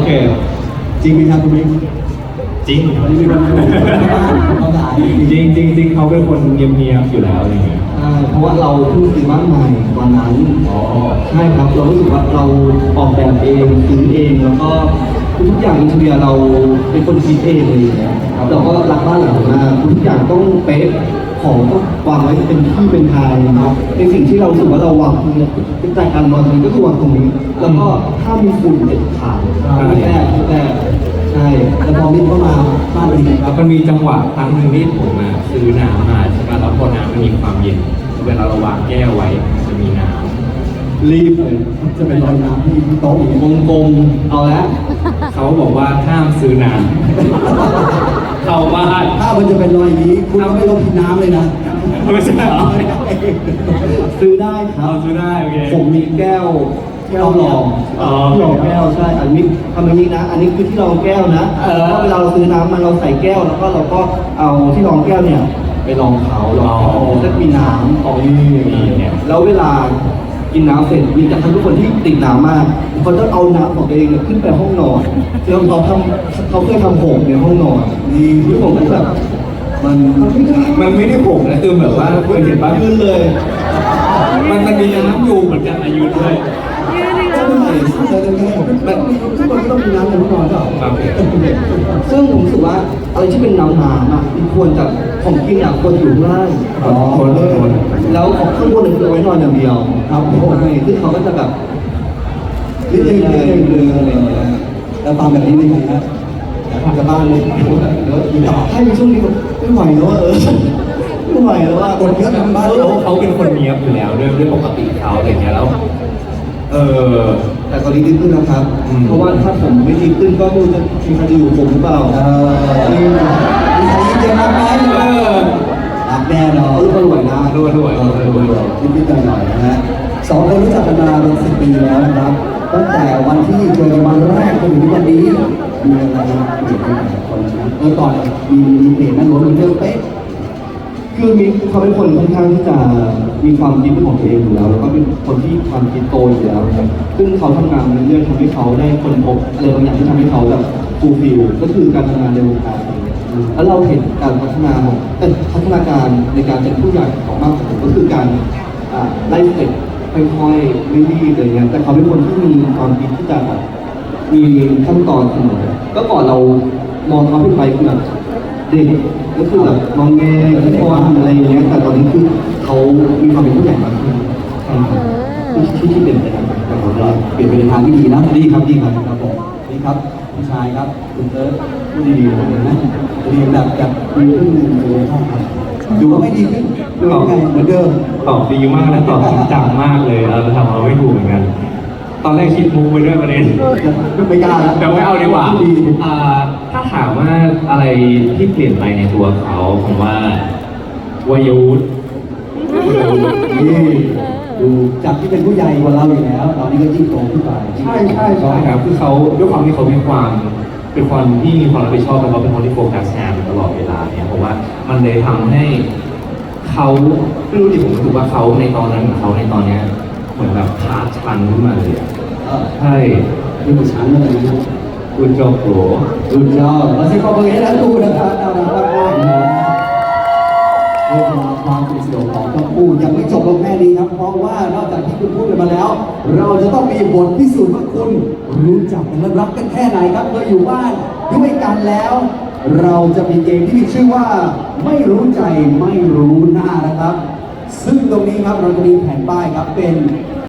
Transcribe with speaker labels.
Speaker 1: เค
Speaker 2: จริงไหมครับคุณมิก
Speaker 1: จริง
Speaker 2: วันนี้มีคนเขาด่า
Speaker 1: จริงจริงเขาเป็นคนเงียบๆอยู่แล้วอะไรเงี้ย
Speaker 2: ใช่เพราะว่าเราเพิ่งซื้อบ้านใหม่ตอนนั้น
Speaker 1: อ๋อ
Speaker 2: ใช่ครับเรารู้สึกว่าเราออกแบบเองซื้อเองแล้วก็ทุกอย่างอินเทียเราเป็นคนคิดเองเลยเราก็รักบ้านหลังมากทุกอย่างต้องเป๊ะของต้องวางไว้เป็นที่เป็นทางนะครับในสิ่งที่เราสึกว่าเราวางเนี่ยเป็นใจการวางตรงนี้ก็คือวางตรงนี้แล้วก็ถ้ามีฝุ่นเด็ดขาดไม่แก้ใช่แล้วพอมินเข้ามาบ้านเป็นไงครับ
Speaker 1: มันมีจังหวะครั้งหนึ่งที่ผมซื้อน้ำมาใช่ไหมแล้วพอน้ำมันมีความเย็นเวลาเราวางแก้วไว้จะมีน้ำ
Speaker 2: รีบเลยจะเป็นรอยน้ำที่โต๊ะวงกลมเอาละ
Speaker 1: เขาบอกว่าห้ามซื้อน้ำเข้าบ้าน
Speaker 2: ถ้ามันจะเป็นรอยนี้คุณไม่ต้องกินน้ำเลยนะ
Speaker 1: ไม่ใช่เหรอ
Speaker 2: ซื้อได้ครับ
Speaker 1: ซื้อได้โอเค
Speaker 2: ผมมีแก้วรองที่รองแก้วใช่อันนี้ทำอย่างนี้นะอันนี้คือที่รองแก้วนะถ้าเวลาเราซื้อน้ำมันเราใส่แก้วแล้วก็เราก็เอาที่รองแก้วเนี่ยไปรองเขาจะมีน้ำของนี่แล้วเวลากินน้ำเสร็จมีแต่ทุกคนที่ติดน้ำมากเขาจะเอาน้ำของตัวเองขึ้นไปห้องนอนแล้วเขาเคยทำหกในห้องนอนนี่ที่ผมก็แบบ
Speaker 1: มันไม่ได้หกนะคือแบบว่าเคยเห็นป่ะ
Speaker 2: ยืนเลย
Speaker 1: มันมีน้ำอยู่เหมือนกันอายุด้วย
Speaker 2: แบบทุกคนก็ต้องมีน้ำในห้องนอนเปล่าซึ่งผมรู้สึกว่าอะไรที่เป็นน้ำอ่ะมันควรจะของกินอ่ะควรอยู่ข้างล่างแล้วของข้างบนคือเอาไว้นอนอย่างเดียวครับโอ้ยซึ่งเขาก็จะแบบเรื่อยๆอะไรอย่างเงี้ยแล้วตามแบบนี้ได้ไงครับทำกับบ้านเลยแล้วให้ในช่วงนี้ไม่ไหวแล้วไม่ไหวแล้วว่าคนเยอะในบ้าน
Speaker 1: เขาเป็นคนเนี้ยบอยู่แล้วด้วยปกติเขาอะไรเงี้ยแล้ว
Speaker 2: แต่ตอนนี้ดีขึ้นนะครับเพราะว่าถ้าผมไม่ดีขึ้นก็ไม่รู้จะมีใครอยู่ผมหรือเปล่ามีใครเยอะมากไหมรักแน่นอนก็รวยนะ
Speaker 1: รวย
Speaker 2: นิดๆหน่อยๆนะฮะสองคนรู้จักกันมาเป็น10 ปีแล้วนะครับตั้งแต่วันที่เจอกันวันแรกจนถึงวันนี้มีอะไรเปลี่ยนไปหลายคนนะก่อนมีเปลี่ยนนั่นรถมันเรื่องเป๊ะคือมีเขาเป็นคนค่อนข้างที่จะมีความคิดเป็นของตัวเองอยู่แล้วแล้วก็เป็นคนที่ความคิดโตอยู่แล้วนะครับซึ่งเขาทำงานเรื่อยๆทำให้เขาได้ค้นพบอะไรบางอย่างที่ทำให้เขาแบบฟูลฟิลก็คือการทำงานในวงการแล้วเราเห็นการพัฒนาของพัฒนาการในการเป็นผู้ใหญ่ของมากกว่าก็คือการไล่สเต็ปค่อยๆไม่รีบอะไรเงี้ยแต่เขาเป็นคนที่มีความคิดที่จะแบบมีขั้นตอนเสมอก็ก่อนเรามองเขาเป็นไปคือแบบเด็กก็คือแบบมองแงที่ว่าอะไรอย่างเงี้ยแต่ตอนนี้คือเขามีความเป็นผู้ใหญ่มากขึ้นที่เป็นไปทางแต่ผมว่าเปลี่ยนไปในทางที่ดีนะดีครับครับผมนี่ครับพี่ชายครับคุณเติร์ดพูดดีๆเลยนะดีแบบดีขึ้นเลยครับดูว่าไม่ดีขึ้นดูยังไงเหมือนเดิม
Speaker 1: ตอบดีมากและตอบจริงจังมากเลยเราทำเราไม่ถูกเหมือนกันตอนแรกคิดมูไปด้วยประเด็น
Speaker 2: ไม่กล้าแล้ว
Speaker 1: แต่ไม่เอาดีกว่าถ้าถามว่าอะไรที่เปลี่ยนไปในตัวเขาผมว่าวายวุฒิ
Speaker 2: นี่ดูจากที่เป็นผู้ใหญ่กว่าเราอยู่แล้วตอนนี้ก็ยิ่งโตขึ้นไป
Speaker 1: ใช่ครับคือเขาด้วยความที่เขาเป็นคนที่มีความรับผิดชอบแล้วเขาเป็นคนที่โฟกัสงานตลอดเวลาเนี่ยเพราะว่ามันเลยทำให้เขาไม่รู้ดิผมรู้สึกว่าเขาในตอนนั้นเขาในตอนเนี้ยเหมือนแบบขาดชันขึ้นมาเลยใช่
Speaker 2: ที่มันชันเลยนะ
Speaker 1: คุณจอมโผล่
Speaker 2: คุณจอมเราใช้ความเป็นอย่างนั้นดูนะครับน่ารักมากๆนะเรื่องราวความเป็นสนุกของทั้งคู่ยังไม่จบลงแค่นี้ครับเพราะว่านอกจากที่คุณพูดกันมาแล้วเราจะต้องมีบทพิสูจน์ว่าคุณรู้จักและรักกันแค่ไหนครับเมื่ออยู่บ้านด้วยกันแล้ว เราจะมีเกมที่มีชื่อว่าไม่รู้ใจไม่รู้หน้านะครับซึ่งตรงนี้ครับเราจะมีแผ่นป้ายครับเป็น